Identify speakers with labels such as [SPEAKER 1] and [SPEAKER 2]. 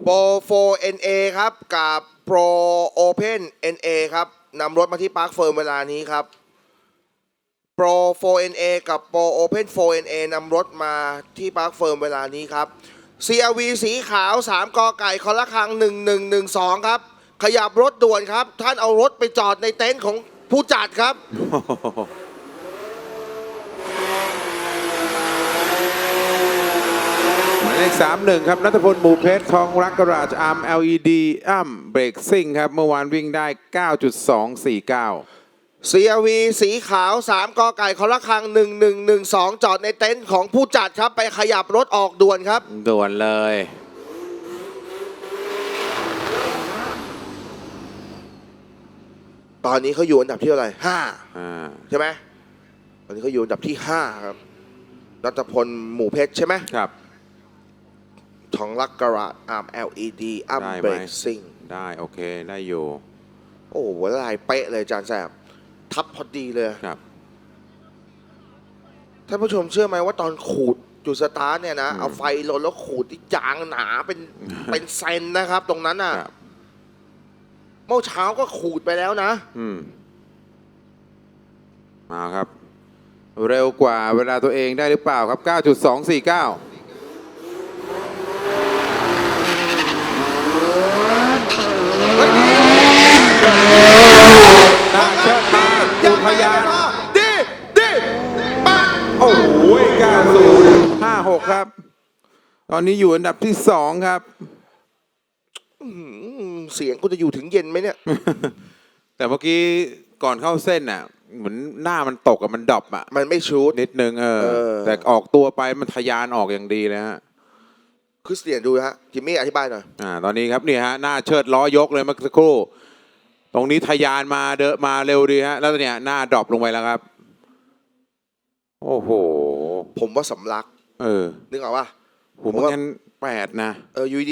[SPEAKER 1] Pro 4NA ครับกับ Pro Open NA ครับนำรถมาที่ปาร์คเฟิร์มเวลานี้ครับ Pro 4NA กับ Pro Open 4NA นำรถมาที่ปาร์คเฟิร์มเวลานี้ครับ CRV สีขาว3กไก่คอละครัง1112ครับขยับรถด่วนครับท่านเอารถไปจอดในเต็นท์ของผู้จัดครับ
[SPEAKER 2] หมายเลข31ครับณัฐพลหมู่เพชรทองรักกราชอาร์ม LED เบรกซิ่งครับเมื่อวานวิ่งได้ 9.249
[SPEAKER 1] CRV สีขาว3กไก่คอละครัง1112จอดในเต็นท์ของผู้จัดครับไปขยับรถออกด่วนครับ
[SPEAKER 2] ด่วนเลย
[SPEAKER 1] ตอนนี้เขาอยู่อันดับที่เท่าไหร่
[SPEAKER 2] 5
[SPEAKER 1] ใช่ไหมตอนนี้เขาอยู่อันดับที่5ครับณัฐพลหมู่เพชรใช่ไหม
[SPEAKER 2] ครับ
[SPEAKER 1] ทองรักกราชอาร์ม LED
[SPEAKER 2] ได้ไหม
[SPEAKER 1] เบรกซิ่ง
[SPEAKER 2] ได้โอเคได้อยู่
[SPEAKER 1] โอ้โหลายเป๊ะเลยอาจารย์แสบทับพอดีเลย
[SPEAKER 2] ครับ
[SPEAKER 1] ท่านผู้ชมเชื่อไหมว่าตอนขูดจุดสตาร์ทเนี่ยนะเอาไฟลนแล้วขูดที่ยางหนาเป็นเซนนะครับ ตรงนั้นน่ะ
[SPEAKER 2] ครับ
[SPEAKER 1] เมื่อเช้าก็ขูดไปแล้วนะ
[SPEAKER 2] มาครับ เร็วกว่าเวลาตัวเองได้หรือเปล่าครับ 9.249 น่าเชิดมาอุทยาน
[SPEAKER 1] ดีปัง
[SPEAKER 2] โอ้โห9056 ครับ ตอนนี้อยู่อันดับที่ 2 ครับ
[SPEAKER 1] เสียงกูจะอยู่ถึงเย็นไหมเนี่ย
[SPEAKER 2] แต่เมื่อกี้ก่อนเข้าเส้นน่ะเหมือนหน้ามันตกกับมันดรอปอ่ะ
[SPEAKER 1] มันไม่ชูด
[SPEAKER 2] นิดนึงแต่ออกตัวไปมันทะยานออกอย่างดีเลยฮะ
[SPEAKER 1] คริสเตียนดูฮะจิมมี่อธิบายหน่อย
[SPEAKER 2] ตอนนี้ครับนี่ฮะหน้าเชิดล้อยกเลยเมื่อสักครู่ ตรงนี้ทะยานมามาเร็วดีฮะแล้วเนี่ยหน้าดรอปลงไปแล้วครับ โอ้โห
[SPEAKER 1] ผมว่าสำลักนึกออกป่ะ
[SPEAKER 2] ผมงั้น8นะ
[SPEAKER 1] อยู่ดี